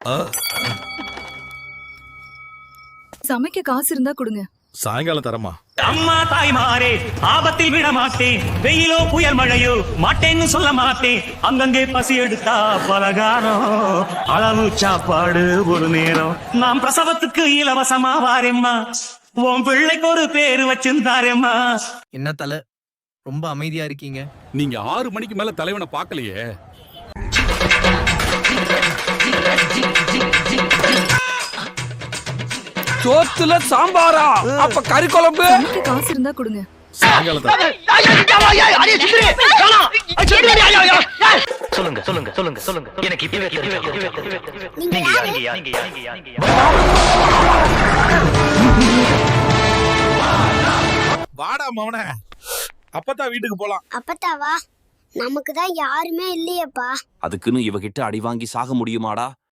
சமைக்க காசு இருந்தா கொடுங்க. சாயங்காலம் தரமா? அம்மா தாய்மாரே, ஆபத்தில் விட மாட்டேன். வெயிலோ புயல் மழையோ மாட்டேன்னு சொல்ல மாட்டேன். அங்கங்கே பசி எடுத்தா பலகாரம், அளவு சாப்பாடு ஒரு நேரம். நான் பிரசவத்துக்கு இலவசமா வாரேம்மா, உன் பிள்ளைக்கு ஒரு பேரு வச்சிருந்தாரேம்மா. என்ன தல ரொம்ப அமைதியா இருக்கீங்க? நீங்க 6 மணிக்கு மேல தலைவனை பார்க்கலையே. சோத்துல சாம்பாரா? அப்ப கறி குழம்பு? சமைக்க காசு இருந்தா கொடுங்க. சாயங்காலம் சொல்லுங்க சொல்லுங்க சொல்லுங்க சொல்லுங்க. எனக்கு இப்பவே வாடா மவனே, அப்பதான் வீட்டுக்கு போலாம். அப்பத்தாவா? நமக்கு தான் யாருமே இல்லையேப்பா. அதுக்குன்னு இவகிட்ட அடி வாங்கி சாக முடியுமாடா?